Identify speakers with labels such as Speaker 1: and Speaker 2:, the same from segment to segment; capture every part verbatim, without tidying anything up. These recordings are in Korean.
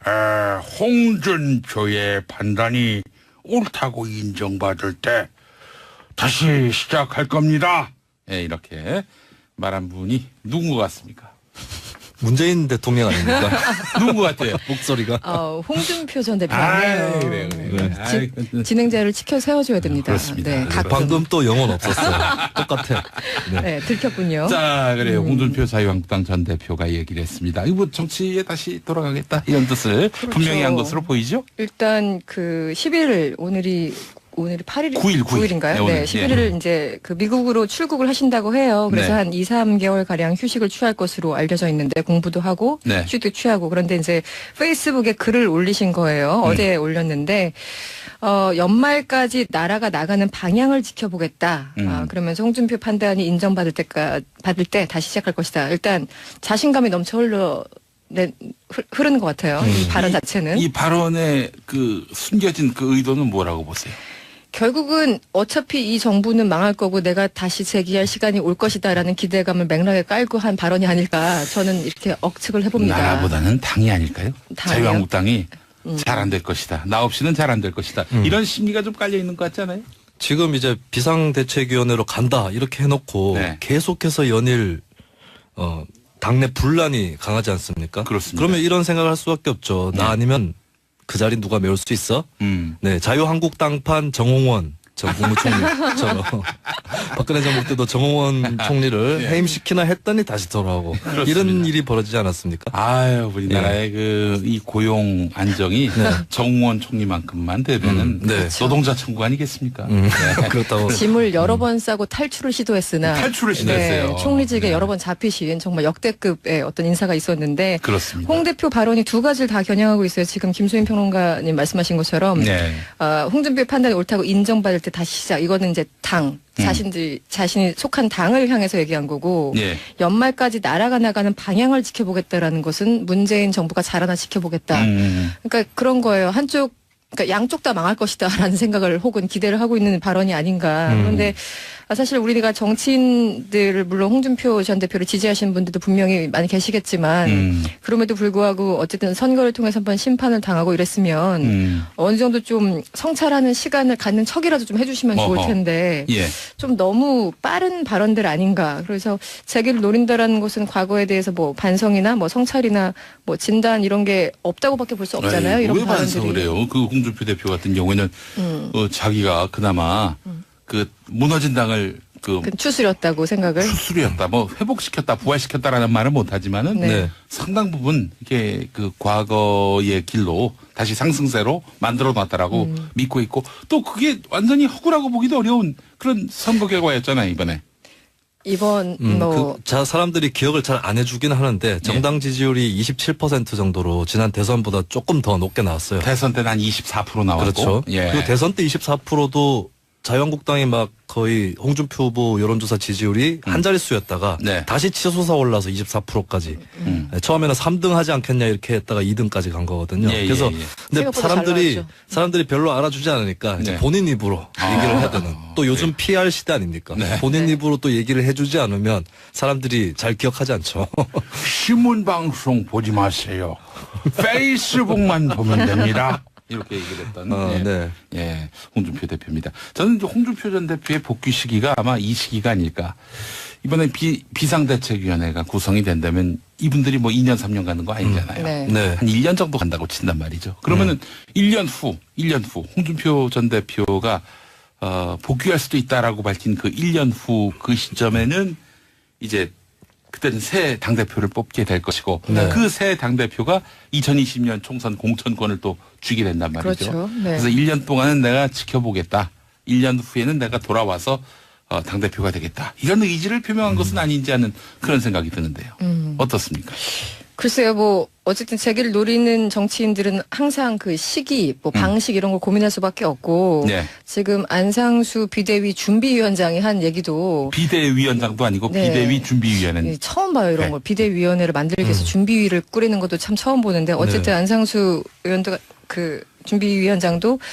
Speaker 1: 에, 홍준표의 판단이 옳다고 인정받을 때 다시 시작할 겁니다. 예, 이렇게 말한 분이 누군 것 같습니까?
Speaker 2: 문재인 대통령 아닙니까?
Speaker 1: 누군 것 같아요?
Speaker 3: 목소리가.
Speaker 4: 어, 홍준표 전
Speaker 1: 아,
Speaker 4: 대표네요.
Speaker 1: 그래, 그래, 그래.
Speaker 4: 지,
Speaker 1: 아이,
Speaker 4: 진행자를 지켜 세워줘야 됩니다.
Speaker 1: 그렇습니다.
Speaker 4: 네, 가끔.
Speaker 2: 방금 또 영혼 없었어요. 똑같아. 네.
Speaker 4: 네, 들켰군요.
Speaker 1: 자, 그래요.
Speaker 4: 음.
Speaker 1: 홍준표 자유한국당 전 대표가 얘기를 했습니다. 이거 정치에 다시 돌아가겠다 이런 뜻을
Speaker 4: 그렇죠.
Speaker 1: 분명히 한 것으로 보이죠?
Speaker 4: 일단 그 십일 일 오늘이 오늘이 팔 일
Speaker 1: 구일, 구일.
Speaker 4: 구일인가요?
Speaker 1: 네, 오늘.
Speaker 4: 네, 십일 일
Speaker 1: 예.
Speaker 4: 이제 그 미국으로 출국을 하신다고 해요. 그래서
Speaker 1: 네.
Speaker 4: 한 이, 삼 개월 가량 휴식을 취할 것으로 알려져 있는데 공부도 하고
Speaker 1: 네.
Speaker 4: 휴식도 취하고 그런데 이제 페이스북에 글을 올리신 거예요.
Speaker 1: 음.
Speaker 4: 어제 올렸는데 어, 연말까지 나라가 나가는 방향을 지켜보겠다.
Speaker 1: 음.
Speaker 4: 아, 그러면서 홍준표 판단이 인정받을 때까 받을 때 다시 시작할 것이다. 일단 자신감이 넘쳐 흘러 네, 흐- 흐르는 것 같아요. 이 발언 자체는.
Speaker 1: 이 발언의 그 숨겨진 그 의도는 뭐라고 보세요?
Speaker 4: 결국은 어차피 이 정부는 망할 거고 내가 다시 재기할 시간이 올 것이다라는 기대감을 맥락에 깔고 한 발언이 아닐까 저는 이렇게 억측을 해봅니다.
Speaker 1: 나라보다는 당이 아닐까요?
Speaker 4: 당이요?
Speaker 1: 자유한국당이
Speaker 4: 음.
Speaker 1: 잘 안 될 것이다. 나 없이는 잘 안 될 것이다.
Speaker 2: 음.
Speaker 1: 이런 심리가 좀 깔려 있는 것 같잖아요.
Speaker 2: 지금 이제 비상대책위원회로 간다 이렇게 해놓고
Speaker 1: 네.
Speaker 2: 계속해서 연일 어, 당내 분란이 강하지 않습니까?
Speaker 1: 그렇습니다.
Speaker 2: 그러면 이런 생각을 할 수밖에 없죠. 나
Speaker 1: 네.
Speaker 2: 아니면 그 자리 누가 메울 수 있어?
Speaker 1: 음.
Speaker 2: 네, 자유한국당판 정홍원 전 국무총리처럼 박근혜 정부 때도 정홍원 총리를
Speaker 1: 네.
Speaker 2: 해임시키나 했더니 다시 돌아오고
Speaker 1: 그렇습니다.
Speaker 2: 이런 일이 벌어지지 않았습니까?
Speaker 1: 아유, 우리나라의 그 이 고용 안정이
Speaker 2: 네.
Speaker 1: 정우원 총리만큼만 되면은
Speaker 2: 음, 네.
Speaker 1: 노동자 천국 아니겠습니까?
Speaker 2: 음,
Speaker 1: 네.
Speaker 2: 그렇다고
Speaker 4: 짐을 여러 번 싸고 탈출을 시도했으나
Speaker 1: 탈출을 시도했어요.
Speaker 4: 네, 총리직에
Speaker 1: 네.
Speaker 4: 여러 번 잡히신 정말 역대급의 어떤 인사가 있었는데
Speaker 1: 그렇습니다.
Speaker 4: 홍 대표 발언이 두 가지를 다 겨냥하고 있어요. 지금 김수인 평론가님 말씀하신 것처럼
Speaker 1: 네.
Speaker 4: 어, 홍준표의 판단이 옳다고 인정받을 때 다시 시작. 이거는 이제 당 자신들 자신이 속한 당을 향해서 얘기한 거고
Speaker 1: 예.
Speaker 4: 연말까지 나라가 나가는 방향을 지켜보겠다라는 것은 문재인 정부가 잘하나 지켜보겠다.
Speaker 1: 음.
Speaker 4: 그러니까 그런 거예요. 한쪽 그러니까 양쪽 다 망할 것이다라는 생각을 혹은 기대를 하고 있는 발언이 아닌가.
Speaker 2: 음.
Speaker 4: 그런데 사실 우리가 정치인들을 물론 홍준표 전 대표를 지지하시는 분들도 분명히 많이 계시겠지만
Speaker 1: 음.
Speaker 4: 그럼에도 불구하고 어쨌든 선거를 통해서 한번 심판을 당하고 이랬으면
Speaker 1: 음.
Speaker 4: 어느 정도 좀 성찰하는 시간을 갖는 척이라도 좀 해주시면 좋을
Speaker 1: 어허.
Speaker 4: 텐데
Speaker 1: 예.
Speaker 4: 좀 너무 빠른 발언들 아닌가. 그래서 재기를 노린다라는 것은 과거에 대해서 뭐 반성이나 뭐 성찰이나 뭐 진단 이런 게 없다고밖에 볼 수 없잖아요.
Speaker 1: 에이,
Speaker 4: 이런
Speaker 1: 왜
Speaker 4: 발언들이.
Speaker 1: 반성을 해요? 그 홍준표 대표 같은 경우에는
Speaker 4: 음.
Speaker 1: 어, 자기가 그나마 그 무너진 당을 그
Speaker 4: 그 추스렸다고 생각을.
Speaker 1: 수술이었다, 뭐 회복시켰다, 부활시켰다라는 말은 못하지만은
Speaker 4: 네.
Speaker 2: 네.
Speaker 1: 상당 부분 이게 그 과거의 길로 다시 상승세로 만들어놨다라고
Speaker 4: 음.
Speaker 1: 믿고 있고 또 그게 완전히 허구라고 보기도 어려운 그런 선거 결과였잖아요 이번에.
Speaker 4: 이번
Speaker 2: 음,
Speaker 4: 뭐
Speaker 2: 그, 자, 사람들이 기억을 잘 안 해주긴 하는데 정당 지지율이 이십칠 퍼센트 정도로 지난 대선보다 조금 더 높게 나왔어요.
Speaker 1: 대선 때는 한 이십사 퍼센트 나왔고.
Speaker 2: 그렇죠.
Speaker 1: 예.
Speaker 2: 그리고 대선 때 이십사 퍼센트도 자유한국당이 막 거의 홍준표 후보 여론조사 지지율이 한 자릿수였다가
Speaker 1: 네.
Speaker 2: 다시 치솟아 올라서 이십사 퍼센트까지
Speaker 1: 음.
Speaker 2: 처음에는 삼 등 하지 않겠냐 이렇게 했다가 이 등까지 간 거거든요.
Speaker 1: 예, 예,
Speaker 2: 그래서
Speaker 1: 예.
Speaker 2: 근데
Speaker 4: 생각보다 잘
Speaker 2: 사람들이
Speaker 4: 나왔죠.
Speaker 2: 사람들이 별로 알아주지 않으니까 이제
Speaker 1: 네.
Speaker 2: 본인 입으로
Speaker 1: 아.
Speaker 2: 얘기를 해야 되는 또 요즘 피알 시대 아닙니까?
Speaker 1: 네.
Speaker 2: 본인
Speaker 4: 네.
Speaker 2: 입으로 또 얘기를 해주지 않으면 사람들이 잘 기억하지 않죠.
Speaker 1: 신문 방송 보지 마세요. 페이스북만 보면 됩니다. 이렇게 얘기를 했던
Speaker 2: 어,
Speaker 1: 예.
Speaker 2: 네.
Speaker 1: 예, 홍준표 대표입니다. 저는 이제 홍준표 전 대표의 복귀 시기가 아마 이 시기가 아닐까. 이번에 비, 비상대책위원회가 구성이 된다면 이분들이 뭐 이 년, 삼 년 가는 거 아니잖아요.
Speaker 4: 네.
Speaker 2: 네.
Speaker 1: 한 일 년 정도 간다고 친단 말이죠. 그러면은 일 년 후, 일 년 후 홍준표 전 대표가 어, 복귀할 수도 있다라고 밝힌 그 일 년 후 그 시점에는 이제 그때는 새 당대표를 뽑게 될 것이고
Speaker 2: 네.
Speaker 1: 그 새 당대표가 이천이십 년 총선 공천권을 또 쥐게 된단 말이죠.
Speaker 4: 그렇죠. 네.
Speaker 1: 그래서 일 년 동안은 내가 지켜보겠다. 일 년 후에는 내가 돌아와서 어, 당대표가 되겠다. 이런 의지를 표명한 것은 아닌지 하는 그런 생각이 드는데요.
Speaker 4: 음.
Speaker 1: 어떻습니까?
Speaker 4: 글쎄요, 뭐 어쨌든 재기를 노리는 정치인들은 항상 그 시기, 뭐 방식 이런 걸 고민할 수밖에 없고
Speaker 1: 네.
Speaker 4: 지금 안상수 비대위 준비위원장이 한 얘기도
Speaker 1: 비대위원장도 아니고
Speaker 4: 네.
Speaker 1: 비대위 준비위원회는
Speaker 4: 예, 처음 봐요 이런
Speaker 1: 네.
Speaker 4: 걸. 비대위원회를 만들기 위해서 준비위를 꾸리는 것도 참 처음 보는데 어쨌든
Speaker 2: 네.
Speaker 4: 안상수 의원도 그 준비위원장도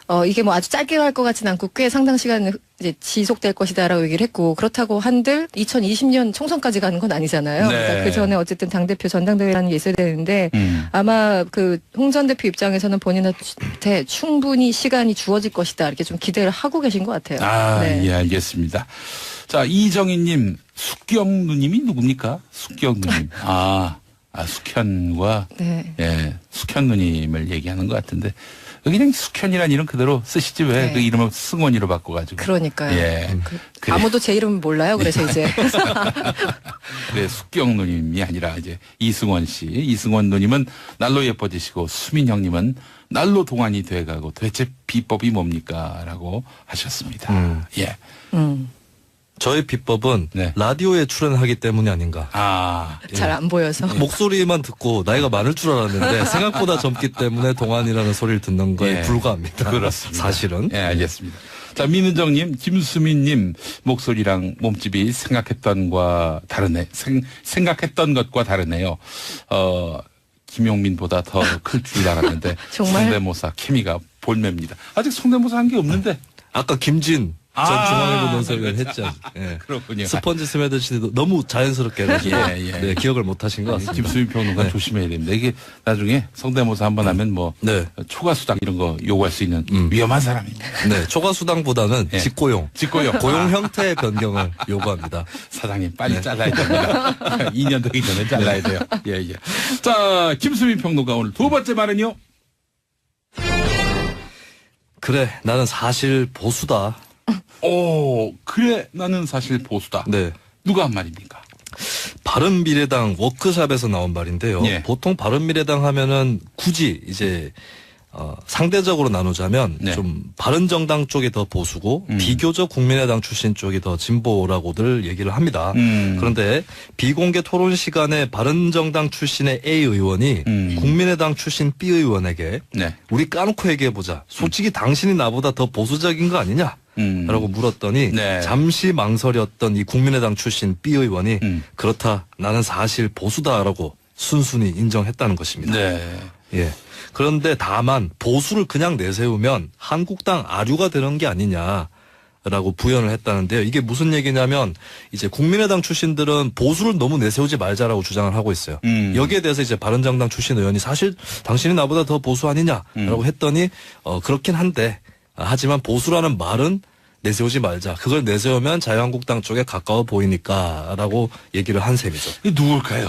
Speaker 4: 어, 이게 뭐 아주 짧게 갈 것 같지는 않고 꽤 상당 시간 이제 지속될 것이다라고 얘기를 했고 그렇다고 한들 이천이십 년 총선까지 가는 건 아니잖아요.
Speaker 1: 네.
Speaker 4: 그러니까 그 전에 어쨌든 당대표 전당대회라는 게 있어야 되는데
Speaker 1: 음.
Speaker 4: 아마 그 홍 전 대표 입장에서는 본인한테 충분히 시간이 주어질 것이다 이렇게 좀 기대를 하고 계신 것 같아요.
Speaker 1: 아,
Speaker 4: 네.
Speaker 1: 예, 알겠습니다. 자, 이정희님, 숙경 누님이 누굽니까? 숙경 누님. 아, 아, 숙현과,
Speaker 4: 네.
Speaker 1: 예, 숙현 누님을 얘기하는 것 같은데, 여기 그냥 숙현이라는 이름 그대로 쓰시지 왜
Speaker 4: 네.
Speaker 1: 그 이름을 승원이로 바꿔가지고.
Speaker 4: 그러니까요.
Speaker 1: 예.
Speaker 4: 그
Speaker 1: 그래.
Speaker 4: 아무도 제 이름 몰라요. 그래서 이제
Speaker 1: 그래, 숙경 누님이 아니라 이제 이승원 씨. 이승원 누님은 날로 예뻐지시고, 수민 형님은 날로 동안이 돼가고, 도대체 비법이 뭡니까? 라고 하셨습니다.
Speaker 2: 음.
Speaker 1: 예.
Speaker 4: 음,
Speaker 2: 저의 비법은
Speaker 1: 네.
Speaker 2: 라디오에 출연하기 때문이 아닌가.
Speaker 1: 아,
Speaker 4: 잘 안 보여서.
Speaker 2: 목소리만 듣고 나이가 많을 줄 알았는데 생각보다 젊기 때문에 동안이라는 소리를 듣는 거에
Speaker 1: 예.
Speaker 2: 불과합니다.
Speaker 1: 그렇습니다.
Speaker 2: 사실은.
Speaker 1: 예, 알겠습니다. 자, 민은정님, 김수민님, 목소리랑 몸집이 생각했던과 다르네, 생, 생각했던 것과 다르네요. 어, 김용민보다 더 클 줄 알았는데.
Speaker 4: 정말?
Speaker 1: 성대모사 케미가 볼매입니다. 아직 성대모사 한 게 없는데.
Speaker 2: 아까 김진 전
Speaker 1: 아,
Speaker 2: 중앙일보 논설위원 했죠. 예.
Speaker 1: 그렇군요.
Speaker 2: 스펀지 스매드시도 너무 자연스럽게 해가지고
Speaker 1: 예, 예.
Speaker 2: 네, 기억을 못 하신 것 같습니다.
Speaker 1: 김수민 평론가
Speaker 2: 네.
Speaker 1: 조심해야 됩니다. 이게 나중에 성대모사 한 번 하면 뭐
Speaker 2: 네.
Speaker 1: 초과수당 이런 거 요구할 수 있는
Speaker 2: 음.
Speaker 1: 위험한 사람입니다.
Speaker 2: 네, 초과수당보다는
Speaker 1: 예.
Speaker 2: 직고용,
Speaker 1: 직고용.
Speaker 2: 고용 형태의 변경을 요구합니다.
Speaker 1: 사장님 빨리
Speaker 2: 네.
Speaker 1: 잘라야 됩니다. 이 년 되기 전에 잘라야 돼요. 예, 예. 자, 김수민 평론가 오늘 두 번째 말은요.
Speaker 2: 그래, 나는 사실 보수다.
Speaker 1: 오, 그래 나는 사실 보수다.
Speaker 2: 네.
Speaker 1: 누가 한 말입니까?
Speaker 2: 바른미래당 워크샵에서 나온 말인데요.
Speaker 1: 예.
Speaker 2: 보통 바른미래당 하면은 굳이 이제 어, 상대적으로 나누자면
Speaker 1: 네.
Speaker 2: 좀 바른정당 쪽이 더 보수고
Speaker 1: 음.
Speaker 2: 비교적 국민의당 출신 쪽이 더 진보라고들 얘기를 합니다.
Speaker 1: 음.
Speaker 2: 그런데 비공개 토론 시간에 바른정당 출신의 A 의원이
Speaker 1: 음.
Speaker 2: 국민의당 출신 B 의원에게
Speaker 1: 네.
Speaker 2: 우리 까놓고 얘기해보자. 솔직히 당신이 나보다 더 보수적인 거 아니냐?
Speaker 1: 음.
Speaker 2: 라고 물었더니
Speaker 1: 네.
Speaker 2: 잠시 망설였던 이 국민의당 출신 B 의원이
Speaker 1: 음.
Speaker 2: 그렇다 나는 사실 보수다라고 순순히 인정했다는 것입니다.
Speaker 1: 네.
Speaker 2: 예. 그런데 다만 보수를 그냥 내세우면 한국당 아류가 되는 게 아니냐라고 부연을 했다는데요. 이게 무슨 얘기냐면 이제 국민의당 출신들은 보수를 너무 내세우지 말자라고 주장을 하고 있어요.
Speaker 1: 음.
Speaker 2: 여기에 대해서 이제 바른정당 출신 의원이 사실 당신이 나보다 더 보수 아니냐라고
Speaker 1: 음.
Speaker 2: 했더니 어 그렇긴 한데 하지만 보수라는 말은 내세우지 말자. 그걸 내세우면 자유한국당 쪽에 가까워 보이니까라고 얘기를 한 셈이죠.
Speaker 1: 이 누굴까요?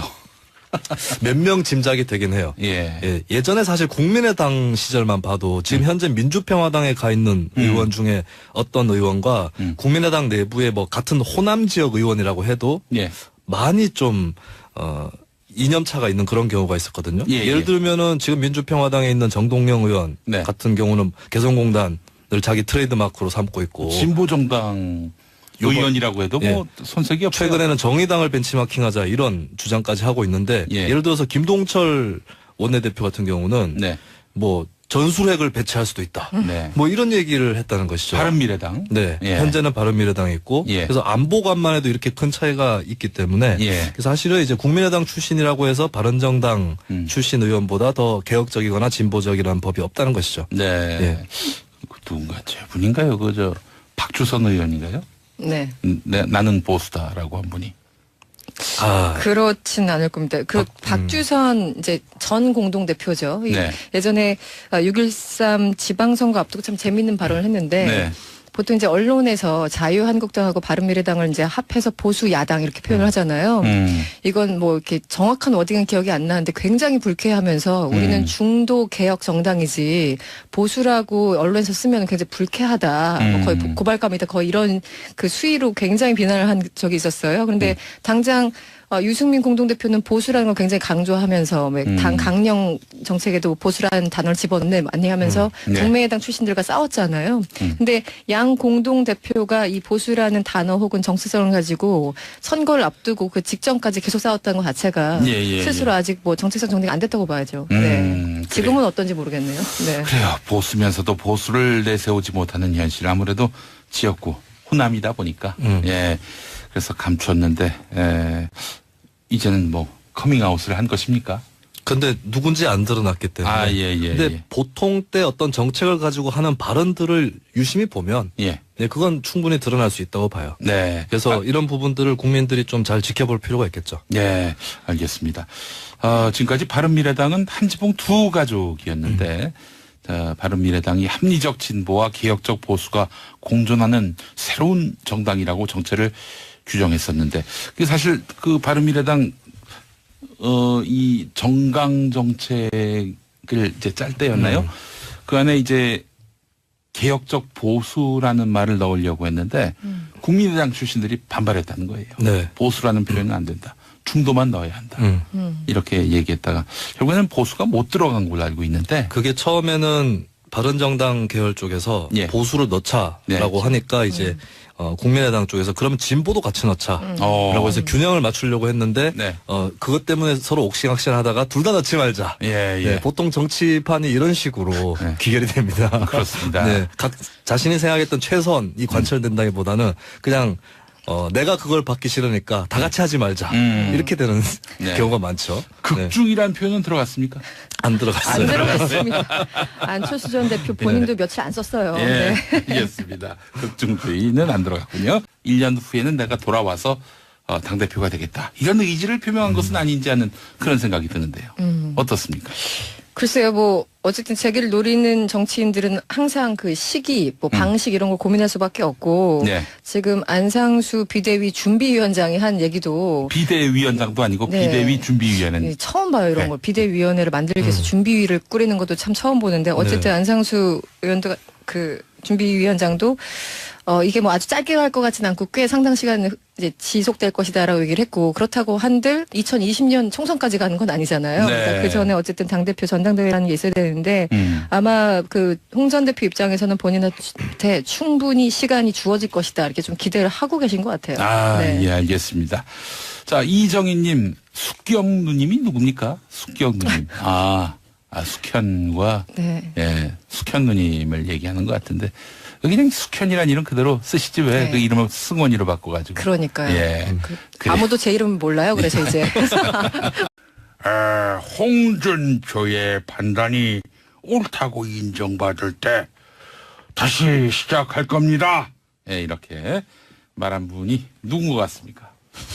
Speaker 2: 몇 명 짐작이 되긴 해요.
Speaker 1: 예.
Speaker 2: 예, 예전에 사실 국민의당 시절만 봐도 지금
Speaker 1: 음.
Speaker 2: 현재 민주평화당에 가 있는
Speaker 1: 음.
Speaker 2: 의원 중에 어떤 의원과
Speaker 1: 음.
Speaker 2: 국민의당 내부의 뭐 같은 호남 지역 의원이라고 해도
Speaker 1: 예. 많이
Speaker 2: 많이 좀, 어, 이념차가 있는 그런 경우가 있었거든요.
Speaker 1: 예,
Speaker 2: 예를
Speaker 1: 예.
Speaker 2: 들면은 지금 민주평화당에 있는 정동영 의원
Speaker 1: 네.
Speaker 2: 같은 경우는 개성공단을 자기 트레이드 마크로 삼고 있고
Speaker 1: 진보정당
Speaker 2: 요번-
Speaker 1: 의원이라고 해도 뭐 손색이 없어요.
Speaker 2: 최근에는 정의당을 벤치마킹하자 이런 주장까지 하고 있는데
Speaker 1: 예.
Speaker 2: 예를 들어서 김동철 원내대표 같은 경우는
Speaker 1: 네.
Speaker 2: 뭐 전술핵을 배치할 수도 있다.
Speaker 1: 네.
Speaker 2: 뭐 이런 얘기를 했다는 것이죠.
Speaker 1: 바른미래당.
Speaker 2: 네.
Speaker 1: 예.
Speaker 2: 현재는 바른미래당에 있고
Speaker 1: 예.
Speaker 2: 그래서 안보관만 해도 이렇게 큰 차이가 있기 때문에
Speaker 1: 예.
Speaker 2: 그래서 사실은 이제 국민의당 출신이라고 해서 바른정당
Speaker 1: 음.
Speaker 2: 출신 의원보다 더 개혁적이거나 진보적이라는 법이 없다는 것이죠.
Speaker 1: 네.
Speaker 2: 예.
Speaker 1: 그 누군가 저분인가요? 그 저 박주선 의원인가요?
Speaker 4: 네.
Speaker 1: 음, 네, 나는 보수다라고 한 분이.
Speaker 2: 아,
Speaker 4: 그렇진 않을 겁니다. 그 박주선 이제 전 공동 대표죠. 이
Speaker 1: 네.
Speaker 4: 예전에 육일삼 지방선거 앞두고 참 재밌는 발언을 했는데
Speaker 1: 네.
Speaker 4: 보통 이제 언론에서 자유한국당하고 바른미래당을 이제 합해서 보수 야당 이렇게 표현을 하잖아요.
Speaker 1: 음.
Speaker 4: 이건 뭐 이렇게 정확한 워딩은 기억이 안 나는데 굉장히 불쾌하면서 우리는
Speaker 1: 음.
Speaker 4: 중도 개혁 정당이지 보수라고 언론에서 쓰면 굉장히 불쾌하다. 뭐
Speaker 1: 음.
Speaker 4: 거의 고- 고발감이다. 거의 이런 그 수위로 굉장히 비난을 한 적이 있었어요. 그런데
Speaker 1: 음.
Speaker 4: 당장 어, 유승민 공동대표는 보수라는 걸 굉장히 강조하면서 뭐
Speaker 1: 음.
Speaker 4: 당 강령 정책에도 보수라는 단어를 집어넣네 많이 하면서
Speaker 1: 음. 네.
Speaker 4: 국민의당 출신들과 싸웠잖아요.
Speaker 1: 음.
Speaker 4: 근데 양 공동대표가 이 보수라는 단어 혹은 정체성을 가지고 선거를 앞두고 그 직전까지 계속 싸웠다는 것 자체가
Speaker 1: 예, 예,
Speaker 4: 스스로
Speaker 1: 예.
Speaker 4: 아직 뭐 정체성 정리가 안 됐다고 봐야죠.
Speaker 1: 음,
Speaker 4: 네.
Speaker 1: 그래요.
Speaker 4: 지금은 어떤지 모르겠네요. 네.
Speaker 1: 그래요. 보수면서도 보수를 내세우지 못하는 현실. 아무래도 지역구 호남이다 보니까
Speaker 2: 음.
Speaker 1: 예. 그래서 감추었는데 예. 이제는 뭐 커밍아웃을 한 것입니까?
Speaker 2: 근데 누군지 안 드러났기 때문에.
Speaker 1: 아, 예, 예.
Speaker 2: 근데
Speaker 1: 예.
Speaker 2: 보통 때 어떤 정책을 가지고 하는 발언들을 유심히 보면
Speaker 1: 예.
Speaker 2: 네, 그건 충분히 드러날 수 있다고 봐요.
Speaker 1: 네.
Speaker 2: 그래서
Speaker 1: 아,
Speaker 2: 이런 부분들을 국민들이 좀 잘 지켜볼 필요가 있겠죠.
Speaker 1: 네, 알겠습니다. 어, 지금까지 바른미래당은 한지붕 두 가족이었는데, 자, 바른미래당이 합리적 진보와 개혁적 보수가 공존하는 새로운 정당이라고 정체를 규정했었는데, 그 사실 그 바른미래당 어, 이 정강 정책을 이제 짤 때였나요?
Speaker 2: 음.
Speaker 1: 그 안에 이제 개혁적 보수라는 말을 넣으려고 했는데
Speaker 4: 음.
Speaker 1: 국민의당 출신들이 반발했다는 거예요.
Speaker 2: 네.
Speaker 1: 보수라는 표현은 안 된다. 중도만 넣어야 한다.
Speaker 2: 음.
Speaker 4: 음.
Speaker 1: 이렇게 얘기했다가 결국에는 보수가 못 들어간 걸로 알고 있는데
Speaker 2: 그게 처음에는 바른정당 계열 쪽에서
Speaker 1: 예.
Speaker 2: 보수를 넣자라고
Speaker 1: 네.
Speaker 2: 하니까 이제 어, 국민의당 쪽에서 그러면 진보도 같이 넣자라고
Speaker 1: 어.
Speaker 2: 해서 균형을 맞추려고 했는데
Speaker 1: 네.
Speaker 2: 어, 그것 때문에 서로 옥신각신하다가 둘 다 넣지 말자.
Speaker 1: 예, 예.
Speaker 2: 네, 보통 정치판이 이런 식으로
Speaker 1: 네.
Speaker 2: 귀결이 됩니다.
Speaker 1: 그렇습니다.
Speaker 2: 네, 각 자신이 생각했던 최선이 관철된다기보다는 그냥 어, 내가 그걸 받기 싫으니까 다 같이 하지 말자.
Speaker 1: 음.
Speaker 2: 이렇게 되는
Speaker 1: 네.
Speaker 2: 경우가 많죠. 네.
Speaker 1: 극중이라는 표현은 들어갔습니까?
Speaker 2: 안 들어갔어요.
Speaker 4: 안 들어갔습니다. 안철수 전 대표 본인도 며칠 안 썼어요.
Speaker 1: 예,
Speaker 4: 네.
Speaker 1: 알겠습니다. 극중주의는 안 들어갔군요. 일 년 후에는 내가 돌아와서 어, 당대표가 되겠다. 이런 의지를 표명한 것은 아닌지 하는 그런 생각이 드는데요.
Speaker 4: 음.
Speaker 1: 어떻습니까?
Speaker 4: 글쎄요, 뭐 어쨌든 재기를 노리는 정치인들은 항상 그 시기, 뭐 방식 이런 걸 고민할 수밖에 없고
Speaker 1: 네.
Speaker 4: 지금 안상수 비대위 준비위원장이 한 얘기도
Speaker 1: 비대위원장도 아니고
Speaker 4: 네.
Speaker 1: 비대위 준비위원회는
Speaker 4: 예, 처음 봐요 이런
Speaker 1: 네.
Speaker 4: 걸 비대위원회를 만들기 위해서 준비위를 꾸리는 것도 참 처음 보는데 어쨌든
Speaker 2: 네.
Speaker 4: 안상수 의원도 그 준비위원장도 어 이게 뭐 아주 짧게 갈 것 같지는 않고 꽤 상당 시간 이제 지속될 것이다라고 얘기를 했고 그렇다고 한들 이천이십 년 총선까지 가는 건 아니잖아요.
Speaker 1: 네.
Speaker 4: 그러니까 그 전에 어쨌든 당 대표 전당대회라는 게 있어야 되는데
Speaker 1: 음.
Speaker 4: 아마 그 홍 전 대표 입장에서는 본인한테 충분히 시간이 주어질 것이다 이렇게 좀 기대를 하고 계신 것 같아요.
Speaker 1: 아,
Speaker 4: 네.
Speaker 1: 예, 알겠습니다. 자, 이정희님, 숙경 누님이 누굽니까? 숙경 누님. 아, 아, 숙현과,
Speaker 4: 네.
Speaker 1: 예, 숙현 누님을 얘기하는 것 같은데, 그냥 숙현이란 이름 그대로 쓰시지 왜
Speaker 4: 네.
Speaker 1: 그 이름을 승원이로 바꿔가지고.
Speaker 4: 그러니까요.
Speaker 1: 예.
Speaker 4: 그,
Speaker 1: 그래.
Speaker 4: 아무도 제 이름 몰라요. 그래서 이제
Speaker 1: 아, 홍준표의 판단이 옳다고 인정받을 때 다시 시작할 겁니다. 예, 이렇게 말한 분이 누군 것 같습니까?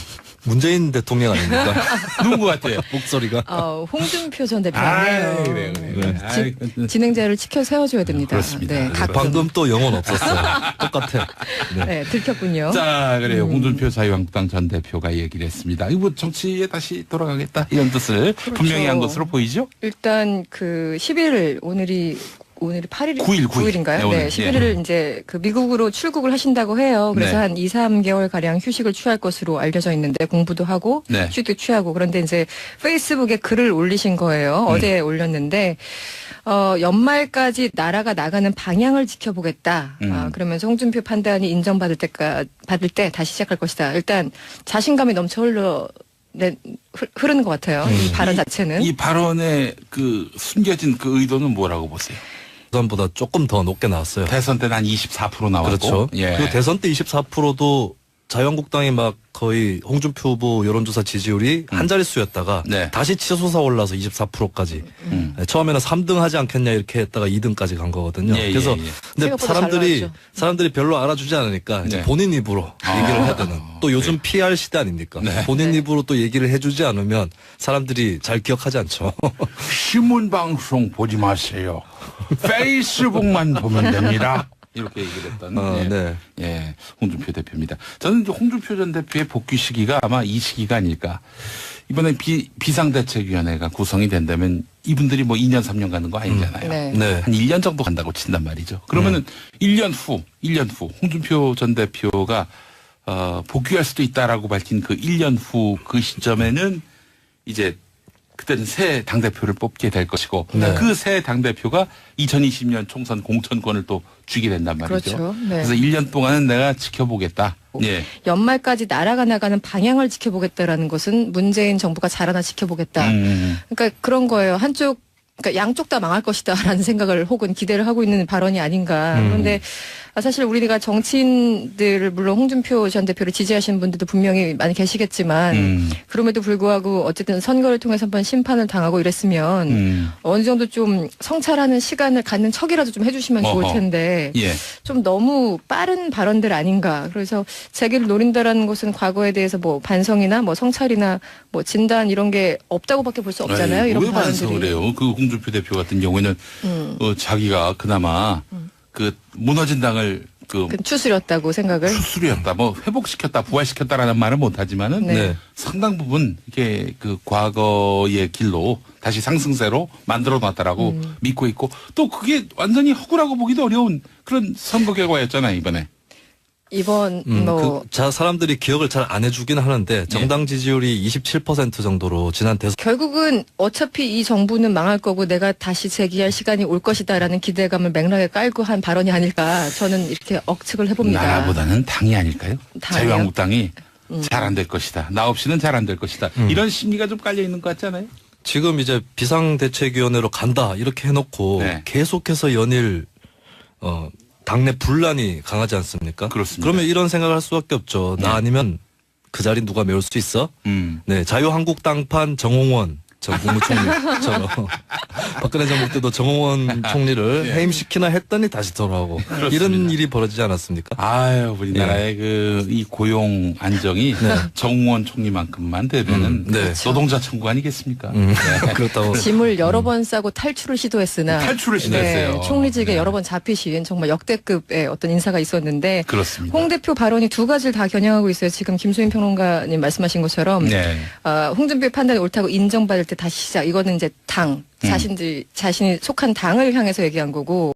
Speaker 2: 문재인 대통령 아닙니까?
Speaker 1: 누군 것 같아요?
Speaker 2: 목소리가.
Speaker 4: 어, 홍준표 전
Speaker 1: 아,
Speaker 4: 대표네요.
Speaker 1: 그래요, 그래요.
Speaker 2: 네.
Speaker 1: 아이, 그,
Speaker 4: 진행자를 치켜 세워줘야 됩니다.
Speaker 1: 그렇습니다.
Speaker 4: 네,
Speaker 1: 네,
Speaker 4: 가끔.
Speaker 2: 방금 또 영혼 없었어요. 똑같아. 네.
Speaker 4: 네, 들켰군요.
Speaker 1: 자, 그래요.
Speaker 4: 음.
Speaker 1: 홍준표 자유한국당 전 대표가 얘기를 했습니다. 이거 뭐 정치에 다시 돌아가겠다 이런 뜻을
Speaker 4: 그렇죠.
Speaker 1: 분명히 한 것으로 보이죠?
Speaker 4: 일단 그 십일 일 오늘이 오늘이 팔 일
Speaker 1: 구일, 구일.
Speaker 4: 인가요?
Speaker 1: 네,
Speaker 4: 네,
Speaker 1: 오늘.
Speaker 4: 십일 일 이제 그 미국으로 출국을 하신다고 해요. 그래서
Speaker 1: 네.
Speaker 4: 한 이, 삼 개월 가량 휴식을 취할 것으로 알려져 있는데 공부도 하고
Speaker 1: 네.
Speaker 4: 휴식도 취하고 그런데 이제 페이스북에 글을 올리신 거예요.
Speaker 1: 음.
Speaker 4: 어제 올렸는데 어, 연말까지 나라가 나가는 방향을 지켜보겠다.
Speaker 1: 음.
Speaker 4: 아, 그러면서 홍준표 판단이 인정받을 때까 받을 때 다시 시작할 것이다. 일단 자신감이 넘쳐 흘러 네, 흐- 흐르는 것 같아요. 이 발언 자체는.
Speaker 1: 이 발언의 그 숨겨진 그 의도는 뭐라고 보세요?
Speaker 2: 대선보다 조금 더 높게 나왔어요.
Speaker 1: 대선 때는 한 이십사 퍼센트 나왔고.
Speaker 2: 그렇죠.
Speaker 1: 예.
Speaker 2: 그 대선 때 이십사 퍼센트도 자유한국당이 막 거의 홍준표 후보 여론조사 지지율이 한 자릿수였다가
Speaker 1: 네.
Speaker 2: 다시 치솟아 올라서 이십사 퍼센트까지.
Speaker 1: 음.
Speaker 2: 처음에는 삼 등 하지 않겠냐 이렇게 했다가 이 등까지 간 거거든요.
Speaker 1: 예, 예,
Speaker 2: 그래서
Speaker 1: 예.
Speaker 2: 근데
Speaker 4: 생각보다 잘
Speaker 2: 사람들이
Speaker 4: 나왔죠.
Speaker 2: 사람들이 별로 알아주지 않으니까 이제
Speaker 1: 네.
Speaker 2: 본인 입으로
Speaker 1: 아.
Speaker 2: 얘기를 해야 되는. 또 요즘 피알 시대 아닙니까?
Speaker 1: 네.
Speaker 2: 본인
Speaker 4: 네.
Speaker 2: 입으로 또 얘기를 해주지 않으면 사람들이 잘 기억하지 않죠.
Speaker 1: 신문 방송 보지 마세요. 페이스북만 보면 됩니다. 이렇게 얘기를 했던
Speaker 2: 어,
Speaker 1: 예.
Speaker 2: 네.
Speaker 1: 예, 홍준표 대표입니다. 저는 이제 홍준표 전 대표의 복귀 시기가 아마 이 시기가 아닐까. 이번에 비, 비상대책위원회가 구성이 된다면 이분들이 뭐 이 년, 삼 년 가는 거 아니잖아요.
Speaker 4: 네.
Speaker 2: 네.
Speaker 1: 한 일 년 정도 간다고 친단 말이죠. 그러면은 일 년 후, 일 년 후 홍준표 전 대표가 어, 복귀할 수도 있다라고 밝힌 그 일 년 후 그 시점에는 이제 그때는 새 당대표를 뽑게 될 것이고
Speaker 2: 네.
Speaker 1: 그 새 당대표가 이천이십 년 총선 공천권을 또 쥐게 된단 말이죠.
Speaker 4: 그렇죠. 네.
Speaker 1: 그래서 일 년 동안은 내가 지켜보겠다. 예.
Speaker 4: 연말까지 나라가 나가는 방향을 지켜보겠다라는 것은 문재인 정부가 잘하나 지켜보겠다.
Speaker 1: 음.
Speaker 4: 그러니까 그런 거예요. 한쪽 그러니까 양쪽 다 망할 것이다라는 생각을 혹은 기대를 하고 있는 발언이 아닌가.
Speaker 2: 음.
Speaker 4: 그런데 아, 사실 우리가 정치인들을 물론 홍준표 전 대표를 지지하시는 분들도 분명히 많이 계시겠지만
Speaker 1: 음.
Speaker 4: 그럼에도 불구하고 어쨌든 선거를 통해서 한번 심판을 당하고 이랬으면
Speaker 1: 음.
Speaker 4: 어느 정도 좀 성찰하는 시간을 갖는 척이라도 좀 해주시면 좋을
Speaker 1: 어허.
Speaker 4: 텐데
Speaker 1: 예.
Speaker 4: 좀 너무 빠른 발언들 아닌가. 그래서 재기를 노린다라는 것은 과거에 대해서 뭐 반성이나 뭐 성찰이나 뭐 진단 이런 게 없다고밖에 볼 수 없잖아요.
Speaker 1: 에이,
Speaker 4: 이런
Speaker 1: 왜 반성을
Speaker 4: 발언들이.
Speaker 1: 해요? 그 홍준표 대표 같은 경우에는
Speaker 4: 음.
Speaker 1: 어, 자기가 그나마 그 무너진 당을 그
Speaker 4: 그 추스렸다고 생각을.
Speaker 1: 수술이었다, 뭐 회복시켰다, 부활시켰다라는 말은 못하지만은
Speaker 4: 네.
Speaker 2: 네.
Speaker 1: 상당 부분 이게 그 과거의 길로 다시 상승세로 만들어 놨다라고
Speaker 4: 음.
Speaker 1: 믿고 있고 또 그게 완전히 허구라고 보기도 어려운 그런 선거 결과였잖아요 이번에.
Speaker 4: 이번
Speaker 2: 음,
Speaker 4: 뭐
Speaker 2: 그, 자, 사람들이 기억을 잘 안 해주긴 하는데 정당 지지율이 이십칠 퍼센트 정도로 지난 대선
Speaker 4: 결국은 어차피 이 정부는 망할 거고 내가 다시 재기할 시간이 올 것이다라는 기대감을 맥락에 깔고 한 발언이 아닐까 저는 이렇게 억측을 해봅니다.
Speaker 1: 나라보다는 당이 아닐까요?
Speaker 4: 당이요?
Speaker 1: 자유한국당이
Speaker 4: 음.
Speaker 1: 잘 안 될 것이다. 나 없이는 잘 안 될 것이다. 이런 심리가 좀 깔려 있는 것 같잖아요.
Speaker 2: 지금 이제 비상대책위원회로 간다 이렇게 해놓고
Speaker 1: 네.
Speaker 2: 계속해서 연일 어 당내 분란이 강하지 않습니까?
Speaker 1: 그렇습니다.
Speaker 2: 그러면 이런 생각을 할 수밖에 없죠. 나
Speaker 1: 네.
Speaker 2: 아니면 그 자리 누가 메울 수 있어?
Speaker 1: 음.
Speaker 2: 네, 자유한국당판 정홍원 전 국무총리처럼 박근혜 정부 때도 정홍원 총리를
Speaker 1: 예.
Speaker 2: 해임시키나 했더니 다시 돌아오고 이런 일이 벌어지지 않았습니까?
Speaker 1: 아유, 우리나라의
Speaker 2: 예.
Speaker 1: 그 이 고용 안정이 정우원 총리만큼만 되면은
Speaker 2: 음, 네.
Speaker 1: 노동자 천국 아니겠습니까?
Speaker 2: 음,
Speaker 1: 네.
Speaker 2: 그렇다고
Speaker 4: 짐을 여러 번 싸고 탈출을 시도했으나
Speaker 1: 탈출을 시도했어요.
Speaker 4: 네, 총리직에
Speaker 1: 네.
Speaker 4: 여러 번 잡히신 정말 역대급의 어떤 인사가 있었는데
Speaker 1: 그렇습니다.
Speaker 4: 홍 대표 발언이 두 가지를 다 겨냥하고 있어요. 지금 김수인 평론가님 말씀하신 것처럼
Speaker 1: 네.
Speaker 4: 어, 홍준표의 판단이 옳다고 인정받을 때 다시 시작. 이거는 이제 당 자신들 자신이 속한 당을 향해서 얘기한 거고